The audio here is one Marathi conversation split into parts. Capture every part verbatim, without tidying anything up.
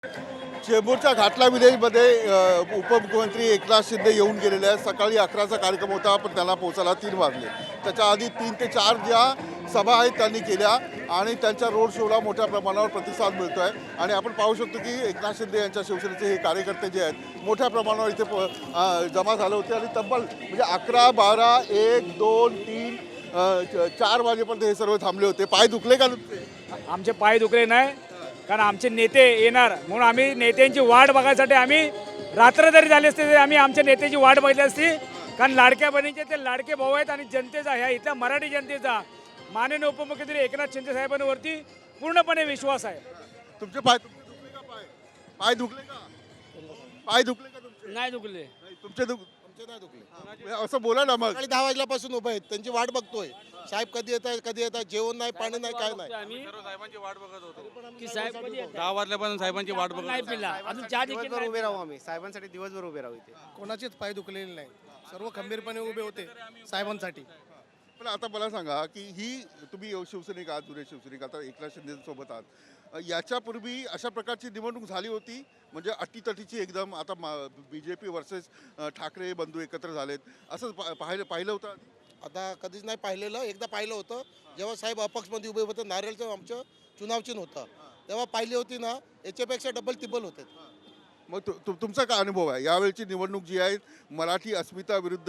चेंबूरच्या घाटला विलेजमध्ये अ, उपमुख्यमंत्री एकनाथ शिंदे येऊन गेलेले आहेत. सकाळी अकराचा कार्यक्रम होता, पण त्यांना पोहोचायला तीन वाजले. त्याच्या आधी तीन ते चार ज्या सभा आहेत त्यांनी केल्या आणि त्यांच्या रोड शोला मोठ्या प्रमाणावर प्रतिसाद मिळतो आहे. आणि आपण पाहू शकतो की एकनाथ शिंदे यांच्या शिवसेनेचे हे कार्यकर्ते जे आहेत मोठ्या प्रमाणावर इथे प- अ, जमा झाले होते. आणि तब्बल म्हणजे अकरा बारा एक दोन तीन अ, च- चार वाजेपर्यंत हे सर्व थांबले होते. पाय दुखले का नुसते? आमचे पाय दुखले नाही, कारण आमचे नेते येणार म्हणून आम्ही नेत्यांची वाट बघायसाठी आम्ही रात्र जरी झाली असते तरी आम्ही आमच्या नेत्याची वाट बघितली असती. कारण लाडक्या बहिणीचे ते लाडके भाऊ आहेत आणि जनतेचा ह्या इथल्या मराठी जनतेचा माननीय उपमुख्यमंत्री एकनाथ शिंदे साहेबांवरती पूर्णपणे विश्वास आहे. तुमचे पाय तुमचे दुखले का पाय पाय दुखले का पाय दुखले का तुमचे? नाही दुखले. नाही, तुमचे दुख आमचे नाही दुखले. म्हणजे असं बोला ना मग. सकाळी दहा वाजल्यापासून उभे आहेत, त्यांची वाट बघतोय. साहेब कधी येत आहे कधी येत आहे, जेवण नाही पाणी नाही काय नाही. आम्ही साहेबांची वाट बघत होतो. की साहेब कधी येतात? दहा वाजल्यापासून साहेबांची वाट बघत नाही पिला अजून चहा देखील दिवसभर नाही उभे राहू आम्ही साहेबांसाठी दिवसभर उभे राहू इथे. कोणाचेच पाय दुखलेले नाही, सर्व खंबीरपणे उभे होते साहेबांसाठी. पण आता मला सांगा की ही तुम्ही शिवसैनिक आहात, जुने शिवसैनिक आता एकनाथ शिंदे सोबत आहात. अ, याच्यापूर्वी अशा प्रकारची निवडणूक झाली होती म्हणजे अटीतटीची एकदम आता B J P versus Thackeray बंधू एकत्र झालेत असं पा- पाहिलं पाहिलं होतं आधी? आता कधीच नाही पाहिलेलं. एकदा पाहिलं होतं जेव्हा साहेब अपक्षमध्ये उभे होते, नारळचं आमचं चुनाव चिन्ह होतं, तेव्हा पाहिली होती ना, याच्यापेक्षा डबल टिबल होते. मग तु- तु- तुमचा काय अनुभव आहे यावेळची निवडणूक जी आहे मराठी अस्मिता विरुद्ध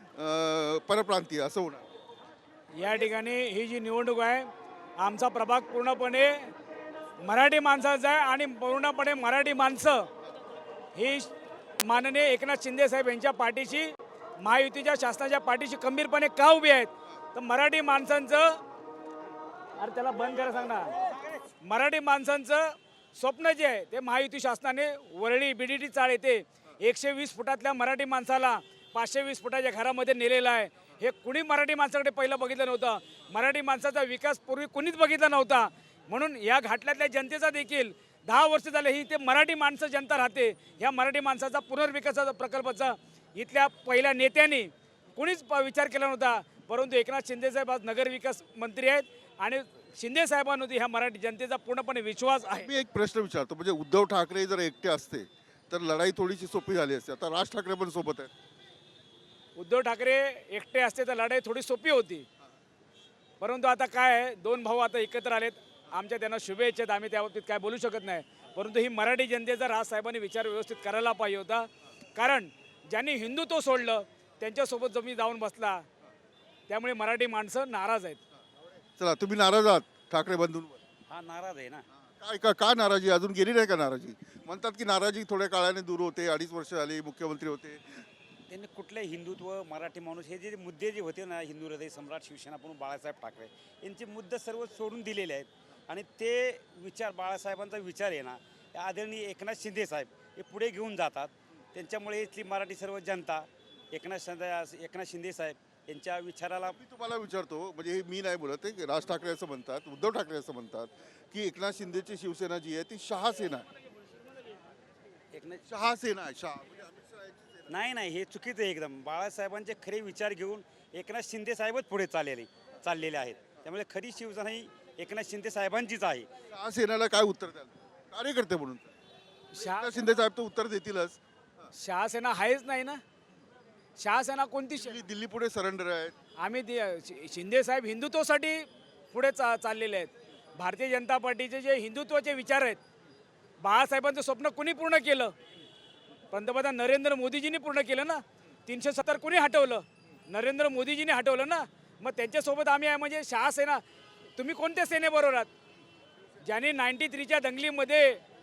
अ, परप्रांतीय असं होणार? या ठिकाणी ही जी निवडणूक आहे आमचा प्रभाग पूर्णपणे मराठी माणसाचा आहे आणि पूर्णपणे मराठी माणसं ही माननीय एकनाथ शिंदे साहेब यांच्या पाठीशी महायुतीच्या शासनाच्या पाठीशी खंबीरपणे का उभी आहेत. तर मराठी माणसांचं अरे त्याला बंद करा सांग ना. मराठी माणसांचं स्वप्न जे आहे ते महायुती शासनाने वरळी बीडीटी चाळ येते एकशे वीस फुटातल्या मराठी माणसाला पाचशे वीस फुटाच्या घरामध्ये नेलेलं आहे. हे कुणी मराठी माणसाकडे पहिलं बघितलं नव्हतं. मराठी माणसाचा विकास पूर्वी कुणीच बघितला नव्हता. म्हणून या घाटल्यातल्या जनतेचा देखील दहा वर्ष झाले ही ते मराठी माणसं जनता राहते. ह्या मराठी माणसाचा पुनर्विकासाचा प्रकल्पाचा इथल्या पहिल्या नेत्यांनी कुणीच प- विचार केला नव्हता. परंतु एकनाथ शिंदेसाहेब आज नगरविकास मंत्री आहेत आणि शिंदे साहेबांवरती ह्या मराठी जनतेचा पूर्णपणे विश्वास आहे. मी एक प्रश्न विचारतो म्हणजे उद्धव ठाकरे जर एकटे असते तर लढाई थोडीशी सोपी झाली असते. आता राज ठाकरे पण सोबत आहेत. उद्धव ठाकरे एकटे असते तर लढाई थोडी सोपी होती. परंतु आता काय आहे, दोन भाऊ आता एकत्र आलेत. आमच्या त्यांना शुभेच्छा आहेत, आम्ही त्याबाबतीत काय बोलू शकत नाही. परंतु ही मराठी जनतेचा राजसाहेबांनी विचार व्यवस्थित करायला पाहिजे होता. कारण ज्यांनी हिंदुत्व सोडलं त्यांच्यासोबत जमी जाऊन बसला, त्यामुळे मराठी माणसं नाराज आहेत. चला तुम्ही नाराज आहात ठाकरे बंधूंवर? हा नाराज आहे ना. काय का का नाराजी अजून गेली नाही का नाराजी? म्हणतात की नाराजी थोड्या काळाने दूर होते. अडीच वर्ष झाली मुख्यमंत्री होते. त्यांनी कुठले हिंदुत्व मराठी माणूस हे जे मुद्दे जे होते ना, हिंदू हृदय सम्राट शिवसेना म्हणून बाळासाहेब ठाकरे यांचे मुद्दे सर्व सोडून दिलेले आहेत. आणि ते विचार बाळासाहेबांचा विचार आहे ना, आदरणीय एकनाथ शिंदे साहेब हे पुढे घेऊन जातात. त्यांच्यामुळे इथली मराठी सर्व जनता एकनाथ शिंदे एकनाथ शिंदे साहेब यांच्या विचाराला. मी तुम्हाला विचारतो म्हणजे हे मी नाही बोलत आहे, राज ठाकरे असं म्हणतात, उद्धव ठाकरे असं म्हणतात की एकनाथ शिंदेची शिवसेना जी आहे ती शहासेना आहे. एकनाथ शहासेना आहे. शहा म्हणजे अमित शहा यांची सेना. नाही नाही हे चुकीचं आहे एकदम. बाळासाहेबांचे खरे विचार घेऊन एकनाथ शिंदे साहेबच पुढे चाललेले चाललेले आहेत. त्यामुळे खरी शिवसेना ही एकनाथ शिंदे साहेबांचीच आहे. शहासेनाला काय उत्तर द्याल कार्यकर्ते म्हणून? शहा एकनाथ शिंदे साहेब तर उत्तर देतीलच. शहासेना आहेच नाही ना. शहासेना कोणती श- दिल्ली दिल्ली पुढे सरेंडर आहेत. आम्ही दि- शि- शिंदे साहेब हिंदुत्वासाठी पुढे चा चाललेले आहेत. भारतीय जनता पार्टीचे जे हिंदुत्वाचे विचार आहेत, बाळासाहेबांचं स्वप्न कुणी पूर्ण केलं? पंतप्रधान नरेंद्र मोदीजींनी पूर्ण केलं ना. तीनशे सत्तर कुणी हटवलं? नरेंद्र मोदीजींनी हटवलं ना. मग त्यांच्यासोबत आम्ही आहे. म्हणजे शहासेना. तुम्ही कोणत्या सेनेबरोबर आहात? ज्यांनी नाईन्टी थ्रीच्या दंगलीमध्ये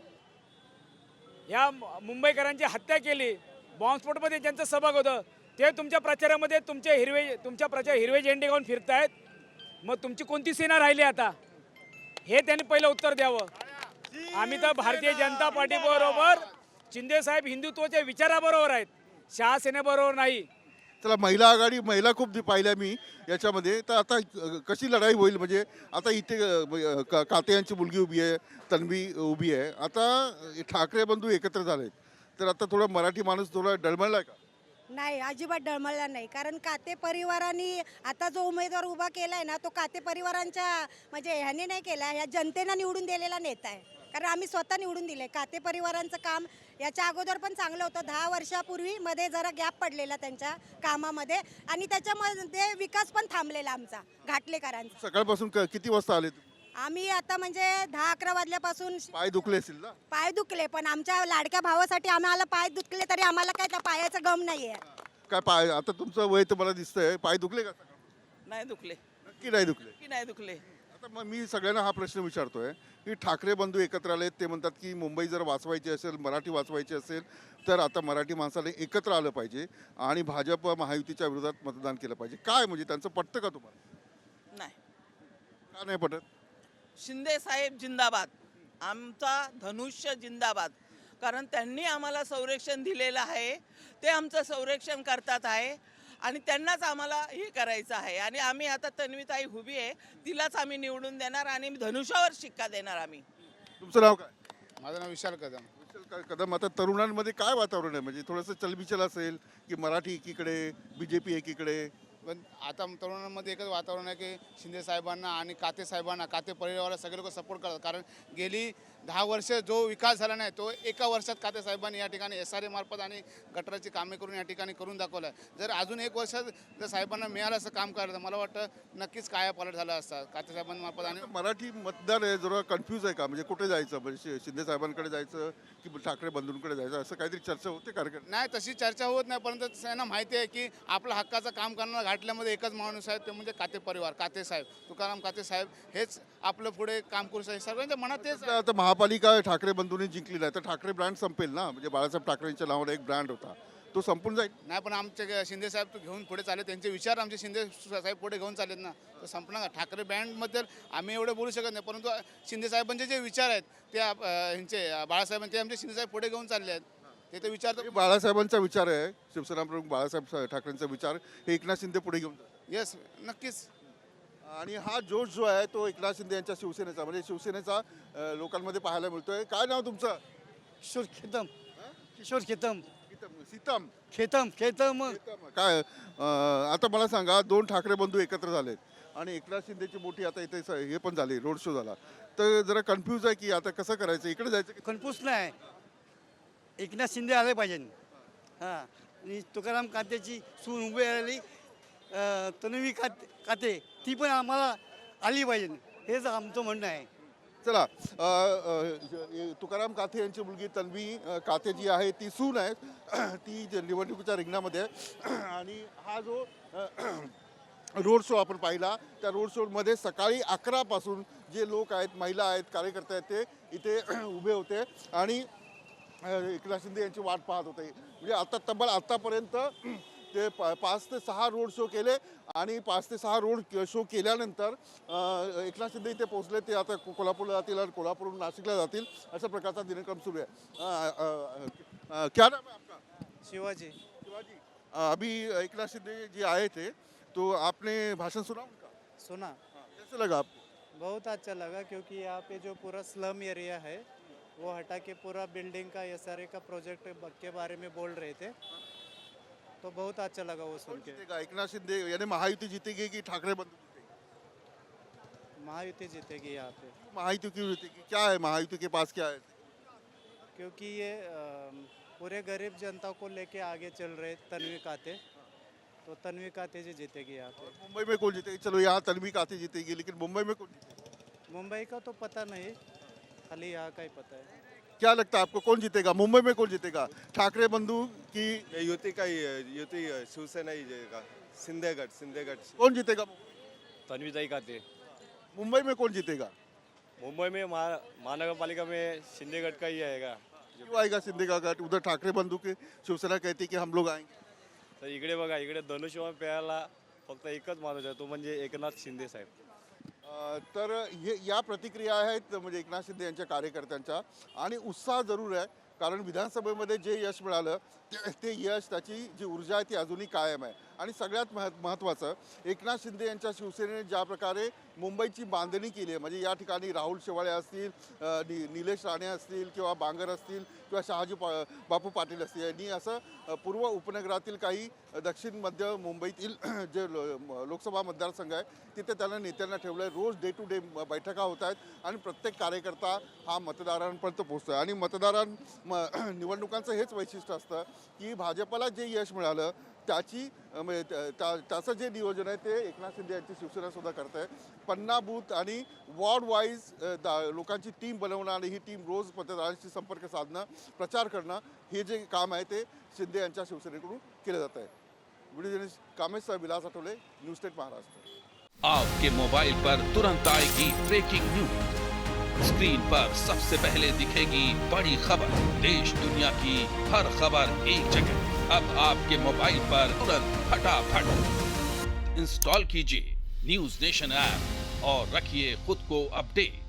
ह्या मुंबईकरांची हत्या केली, बॉम्बस्फोटमध्ये ज्यांचं सहभाग होतं, ते तुमच्या प्रचारामध्ये तुमचे हिरवे तुमच्या प्रचार हिरवे झेंडे घेऊन फिरतायत. मग तुमची कोणती सेना राहिली आता? हे त्यांनी पहिलं उत्तर द्यावं. आम्ही तर भारतीय जनता पार्टीबरोबर शिंदे साहेब हिंदुत्वाच्या विचाराबरोबर आहेत, शहासेनेबरोबर नाही. चला महिला आघाडी महिला खूप दि- पाहिल्या मी याच्यामध्ये. तर आता अ, कशी लढाई होईल म्हणजे आता इथे अ, ब- का- काते यांची मुलगी उभी आहे, तन्वी उभी आहे. आता अ, ठाकरे बंधू एकत्र झालेत तर आता थोडा मराठी माणूस थोडा डळमळलाय का? नाही, अजिबात डळमळला नाही. कारण काते परिवारांनी आता जो उमेदवार उभा केलाय ना, तो काते परिवारांच्या म्हणजे ह्याने नाही केला, ह्या जनतेनं निवडून दिलेला नेता आहे. कारण आम्ही स्वतः निवडून दिले. काते परिवारांचं काम याच्या अगोदर पण चांगलं होतं. दहा वर्षापूर्वी मध्ये जरा गॅप पडलेला त्यांच्या कामामध्ये आणि त्याच्यामध्ये विकास पण थांबलेला आमचा घाटलेकरांचा. सकाळपासून क- किती वाजता आले तुम्ही? आम्ही आता म्हणजे दहा अकरा वाजल्यापासून पाय दुखले असतील ना? पाय दुखले, पण आमच्या लाडक्या भावासाठी आम्हाला पाय दुखले तरी आम्हाला काय त्या पायाचा गम नाहीये. काय पाय, आता तुमचं वय तर मला दिसतंय, पाय दुखले का सकाळपासून? नाही दुखले नक्की नाही दुखले. की नाही दुखले. आता मग मी सगळ्यांना हा प्रश्न विचारतोय की ठाकरे बंधू एकत्र आले, ते म्हणतात की मुंबई जर वाचवायची असेल, मराठी वाचवायची असेल तर आता मराठी माणसाने एकत्र आलं पाहिजे आणि भाजप महायुतीच्या विरोधात मतदान केलं पाहिजे. काय म्हणजे त्यांचं पटतं का तुम्हाला? नाही. का नाही पटत? शिंदे साहेब जिंदाबाद, आमचा धनुष्य जिंदाबाद. कारण त्यांनी आम्हाला संरक्षण दिलेलं आहे, ते आमचं संरक्षण करतात आहे आणि त्यांनाच आम्हाला हे करायचं आहे. आणि आम्ही आता तन्वीताई उभी आहे, तिलाच आम्ही निवडून देणार आणि धनुष्यावर शिक्का देणार आम्ही. तुमचं नाव काय? माझं नाव विशाल कदम. विशाल क- कदम. आता तरुणांमध्ये काय वातावरण आहे, म्हणजे थोडंसं चलबिचल असेल की मराठी एकीकडे, बी जे पी एकीकडे? पण आता तरुणांमध्ये एकच वातावरण आहे की शिंदे साहेबांना आणि काते साहेबांना, काते परिवाराला सगळे लोक सपोर्ट करतात. कारण गेली दहा वर्ष जो विकास झाला नाही तो एका वर्षात काते साहेबांनी या ठिकाणी एस आर ए मार्फत आणि गटराची कामे करून या ठिकाणी करून दाखवलं आहे. जर अजून एक वर्षात जर साहेबांना मिळालं असं काम करायचं, मला वाटतं नक्कीच कायापालट झाला असता काते साहेबांमार्फत. आणि मराठी मतदार आहे जरा कन्फ्यूज आहे का, म्हणजे कुठे जायचं, म्हणजे शि- शिंदे साहेबांकडे जायचं की ठाकरे बंधूंकडे जायचं, असं काहीतरी चर्चा होते कार्यक्रम? नाही, तशी चर्चा होत नाही, परंतु त्यांना माहिती आहे की आपलं हक्काचं काम करणारा घाटल्यामध्ये एकच माणूस आहे, ते म्हणजे काते परिवार, काते साहेब, तुकाराम काते साहेब हेच आपलं पुढे काम करू शकतात. सगळ्यांच्या मनात तेच आहे. आता महापालिका ठाकरे बंधूंनी जिंकली नाही तर ठाकरे ब्रँड संपेल ना, म्हणजे बाळासाहेब ठाकरेंच्या नावावर एक ब्रँड होता तो संपून जाईल. नाही, पण आमचे शिंदे साहेब तो घेऊन पुढे चालले, त्यांचे विचार आमचे शिंदे साहेब पुढे घेऊन चाललेत ना, तर संपणार का? ठाकरे बँडबद्दल आम्ही एवढं बोलू शकत नाही, परंतु शिंदे साहेबांचे जे विचार आहेत ते आप- अं, ह्यांचे बाळासाहेब ते आमचे शिंदे साहेब पुढे घेऊन चालले आहेत. ते तर विचार तर बाळासाहेबांचा विचार आहे, शिवसेना प्रमुख बाळासाहेब ठाकरेंचा विचार हे एकनाथ शिंदे पुढे घेऊन जातात. येस, नक्कीच. आणि हा जोश जो आहे तो एकनाथ शिंदे यांच्या शिवसेनेचा, म्हणजे शिवसेनेचा अं, लोकांमध्ये पाहायला मिळतोय. काय नाव तुमचं? किशोर खेतम किशोर खेतम सीतम. सीतम खेतम खेतम सीतम. काय अं, आता मला सांगा, दोन ठाकरे बंधू एकत्र झालेत आणि एकनाथ शिंदेची मोठी आता इथे स- हे पण झाली, रोड शो झाला, तर जरा कन्फ्यूज आहे की आता कसं करायचं, इकडे जायचं की- कन्फ्यूज नाही. एकनाथ शिंदे आले पाहिजे. हां, आणि तुकाराम कातेची सून उभी राहिली अं, तन्वी काते काते ती पण आम्हाला आली पाहिजे, हेच आमचं म्हणणं आहे. चला, अ, अ, तुकाराम काथे यांची मुलगी तन्वी अ, काथे जी आहे ती सून आहे, ती जे निवडणुकीच्या रिंगणामध्ये आहे. आणि हा जो अ, रोड शो आपण पाहिला, त्या रोड शोमध्ये सकाळी अकरापासून जे लोक आहेत, महिला आहेत, कार्यकर्ते आहेत, ते इथे उभे होते आणि अ, एकनाथ शिंदे यांची वाट पाहत होते. म्हणजे आता तब्बल आत्तापर्यंत ते पा पाच ते सहा रोड शो केले आणि पाच ते सहा रोड शो केल्यानंतर अ, एकनाथ शिंदे इथे पोहोचले. ते आता को- कोल्हापूरला जातील आणि कोल्हापूरहून नाशिकला जातील, अशा प्रकारचा दिनक्रम सुरू आहे. अ, अ, अ, क्या नाम है आपका? शिवाजी शिवाजी. अ, अभी एकनाथ शिंदे जी आए थे तो आपने भाषण सुना उनका? सुना, हाँ, कैसे लगा आपको? बहुत अच्छा लगा क्योंकि यहाँ पे जो पूरा स्लम एरिया है वो हटा के पूरा बिल्डिंग का एस आर ए का प्रोजेक्ट के बारे में बोल रहे थे, तो बहुत अच्छा लगा वो सुन कौन के. जीतेगा, एकनाथ शिंदे यानी महायुति जीतेगी कि ठाकरे बंधु जीतेगी? महायुति जीतेगी यहाँ पे, महायुति क्यों जीतेगी, क्या है महायुति के पास, क्या है? क्योंकि ये अम, पूरे गरीब जनता को लेके आगे चल रहे तन्वी काते, तो तन्वी काते जी जीतेगी यहाँ पे. मुंबई में कौन जीतेगी? चलो यहाँ तन्वी काते जीतेगी, लेकिन मुंबई में कौन जीतेगी? मुंबई का तो पता नहीं, खाली यहाँ का ही पता है. क्या लगता है आपको, कौन जीतेगा मुंबई में? कौन जीतेगा, ठाकरे बंधु की युती का ही युती शिवसेना ही जाएगा, शिंदे गट शिंदे गट कौन जीतेगा? तन्वीताई काते. मुंबई में कौन जीतेगा? मुंबई में महा महानगर पालिका में शिंदे गट का ही आएगा. क्यों आएगा शिंदे का गट? उधर ठाकरे बंधु की शिवसेना कहती कि हम लोग आएंगे. तर इकडे बघा, इकडे धनुष्यबाण पेरायला फक्त एकच माणूस आहे, तो म्हणजे एकनाथ शिंदे साहेब. अ, तर हे या प्रतिक्रिया आहेत म्हणजे एकनाथ शिंदे यांच्या कार्यकर्त्यांच्या, आणि उत्साह जरूर आहे, कारण विधानसभेमध्ये जे यश मिळालं ते- ते यश त्याची जी ऊर्जा आहे ती अजूनही कायम आहे. आणि सगळ्यात मह महत्त्वाचं एकनाथ शिंदे यांच्या शिवसेनेने ज्या प्रकारे मुंबईची बांधणी केली आहे, म्हणजे या ठिकाणी राहुल शेवाळे असतील, अ, नि निलेश राणे असतील किंवा बांगर असतील किंवा शहाजी पा बापू पाटील असतील, यांनी असं अ, पूर्व उपनगरातील काही दक्षिण मध्य मुंबईतील जे लो म- लोकसभा मतदारसंघ आहे तिथे त्यांना नेत्यांना ठेवलं आहे. रोज डे टू डे बैठका होत आहेत आणि प्रत्येक कार्यकर्ता हा मतदारांपर्यंत पोहोचतो आहे. आणि मतदारां म निवडणुकांचं हेच वैशिष्ट्य असतं की भाजपला जे यश मिळालं त्याची अ, म्हणजे त्या- त्या- त्याचं जे नियोजन आहे ते एकनाथ शिंदे यांची शिवसेनासुद्धा करत आहे. पन्ना बूथ आणि वॉर्ड वाईज दा लोकांची टीम बनवणं आणि ही टीम रोज मतदारांशी संपर्क साधणं, प्रचार करणं, हे जे काम आहे ते शिंदे यांच्या शिवसेनेकडून केलं जात आहे. Video journalist Kamesh Vilas Athawale, news state Maharashtra. आपके मोबाइल पर तुरंत आएगी ब्रेकिंग न्यूज, स्क्रीन पर सबसे पहले दिखेगी बड़ी खबर, देश दुनिया की हर खबर एक जगह। अब आपके मोबाइल पर तुरंत फटाफट इंस्टॉल कीजिए न्यूज नेशन ऐप और रखिए खुद को अपडेट।